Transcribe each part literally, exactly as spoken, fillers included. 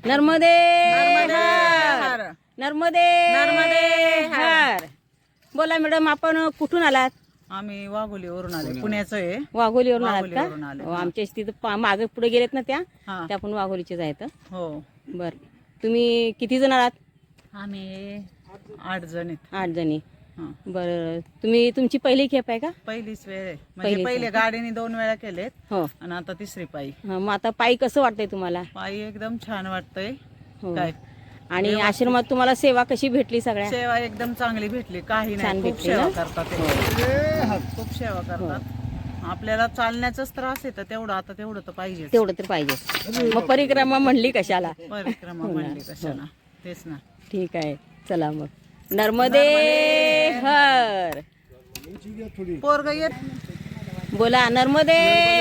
नर्मदे नर्मदे हर. हर. नर्मदे नर्मदे हर. बोला मॅडम, आपण कुठून आलात? आम्ही वाघोलीवरून आले, पुण्याचं आहे. वाघोलीवरून आलात वाघोलीवरून का? आले, हो, हा. आमच्या तिथं मागे पुढे गेलेत ना त्या हा. त्या पण वाघोलीचे आहेत. हो, बर, तुम्ही किती जण आलात? आम्ही आठ जण आहेत. आठ जणी. हा. बर, तुम्ही तुमची पहिली खेप आहे का? पहिलीच वेळ आहे. म्हणजे पहिलीच पहिले आहे. गाडीने दोन वेळा केलेत हो. आणि आता तिसरी पायी. हा, मग आता पायी कसं वाटतंय तुम्हाला? पायी एकदम छान वाटतंय. हो. काय आणि व्यवस्थित. आश्रमात तुम्हाला सेवा कशी भेटली? सगळ्या सेवा एकदम चांगली भेटली, काही छान नाही. खूप भेटली सेवा ना? करतात ते. खूप सेवा करतात. आपल्याला चालण्याचाच त्रास आहे तर तेवढं आता तेवढं तर पाहिजे. तेवढं तर पाहिजे. मग परिक्रमा म्हणली कशाला? परिक्रमा म्हणली कशाला, तेच ना. ठीक आहे, चला मग. नर्मदे हर. पोरग येत. बोला, नर्मदे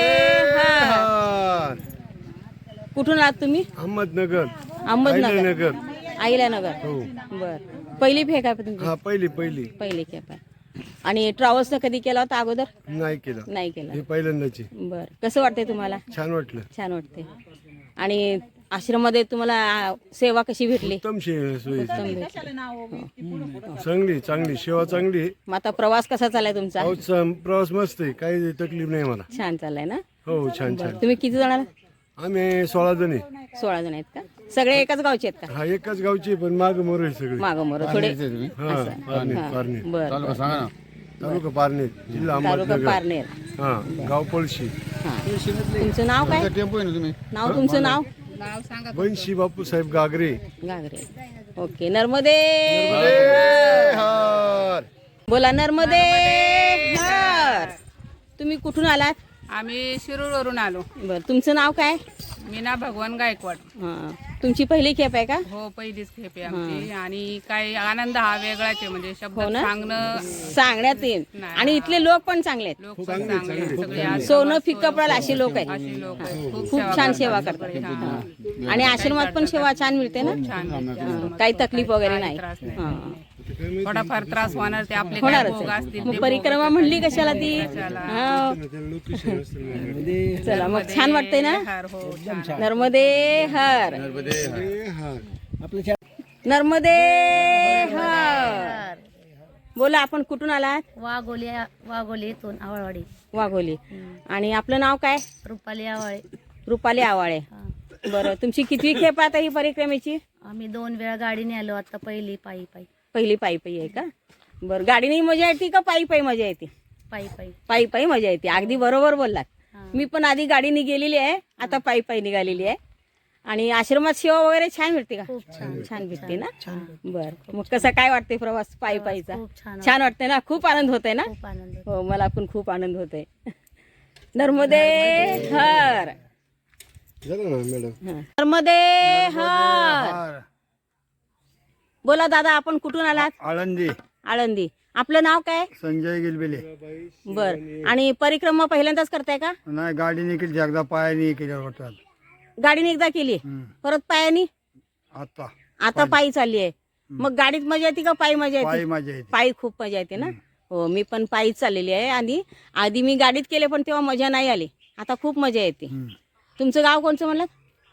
हर. कुठून आहात तुम्ही? अहमदनगर. अहमदनगर. नगर. आईला नगर. हो. बर, पहिली फेक आहे तुमची? हा, पहिली पहिली पहिली खेप आहे. आणि ट्रॅव्हल्स कधी केला होता अगोदर? नाही केलं, नाही केला. हे पहिल्यांदाची. बर, कसं वाटतंय तुम्हाला? छान वाटलं. छान वाटते. आणि आश्रममध्ये तुम्हाला सेवा कशी भेटली? उत्तम शे- सोयी उत्तम भेटली. चांगली चांगली सेवा चांगली आहे. मग आता प्रवास कसा चाललाय तुमचा? अहो, च- प्रवास मस्त आहे, काही तकलीफ नाही मला. छान चाललाय ना? हो, छान छान. तुम्ही किती जण आलात? आम्ही सोळा जण आहे. सोळा जण आहेत का? सगळे एकाच गावचे आहेत का? हा, एकाच गावची पण माग मोर आहे सगळे. मागं मोर थोडे. हा, पारनेर पारनेर बर, तालुका पारनेर, जिल्हा तालुका अहमदनगर. पारनेर. हा, गाव पळशी. हा. तुमचं नाव काय? नाव तुमचं नाव? वंशी बापूसाहेब गागरे. गागरे. ओके. नर्मदे हर. बोला, नर्मदे हर. तुम्ही कुठून आलात? आम्ही शिरूरवरून आलो. बर, तुमचं नाव काय? मीना भगवान गायकवाड. हा, तुमची पहिली खेप आहे का? हो, पहिलीच खेप आहे आमची. आणि काही आनंद हा वेगळाच आहे, म्हणजे शब्द हो ना? सांगणं. सांगण्यात येईल. आणि इथले लोक पण चांगले आहेत. लोक पण चांगले आहेत, सगळे आश्रमात सोनं फिक्क पडेल असे लोक आहेत. अशी लोक आहेत. खूप खूप सेवा छान करतात. सेवा करतात. हा. हा. आणि आश्रमात पण सेवा छान मिळते ना? छान भेटते. हा, काही तकलीफ वगैरे नाही. त्रास नाही. हा. थोडाफार त्रास होणार, ते आपले काय होणारच भोग आहे. असतील मग ते परिक्रमा म्हणली कशाला ती? कशाला? हा. चला मग, छान वाटतंय ना? हर. हो, छान. नर्मदे हर. नर्मदे हर. बोला, आपण कुठून आलात? वाघोली वाघोलीतून आवळवाडी. वाघोली. आणि आपलं नाव काय? रुपाली आवळे. रुपाली आवाळे. बरं, तुमची कितवी खेप आता ही परिक्रमेची? आम्ही दोन वेळा गाडीने आलो, आता पहिली पायी पायी. पहिली पायी पायी आहे का? बरं, गाडीने मजा येते का पायी पायी मजा येते? पायी पायी. पायी पायी मजा येते. अगदी बरोबर बोललात. हा. मी पण आधी गाडीने गेलेली आहे, आता पायी पायी निघालेली आहे. आणि आश्रमात सेवा वगैरे छान भेटते का? खूप छान. छान भेटते ना? बर, मग कसा काय वाटते प्रवास पायी पायीचा? खूप छान. छान वाटते ना? खूप आनंद होतोय ना? खूप आनंद होतो. हो, मला पण खूप आनंद होतोय. नर्मदे हर. झालं ना मॅडम? हा. नर्मदे हर. बोला दादा, आपण कुठून आलात? आळंदी. आळंदी. आपलं नाव काय? संजय गिलबिले. बर, आणि परिक्रमा पहिल्यांदाच करताय का? नाही, गाडीने केली, एकदा पायाने केल्या होतात. गाडीने एकदा केली, परत पायानी, आता आता पायी चालली आहे. मग गाडीत मजा येते का पायी मजा पायी येते? मजा येते. पायी खूप मजा येते ना? हो, मी पण पायीच चाललेली आहे. आधी आधी मी गाडीत केले, पण तेव्हा मजा नाही आली. आता खूप मजा येते. तुमचं गाव कोणचं म्हणलं?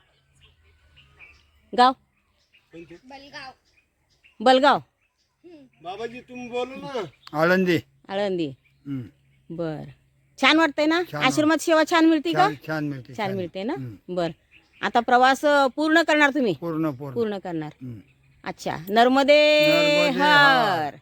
गाव बलगाव. बाबाजी तुम्ही बोलू ना. आळंदी. आळंदी. बर, छान वाटतंय ना? आश्रमात सेवा छान मिळते का? छान मिळते. छान मिळते ना? बर, आता प्रवास पूर्ण करणार तुम्ही? पूर्ण पूर्ण करणार. अच्छा. नर्मदे हर.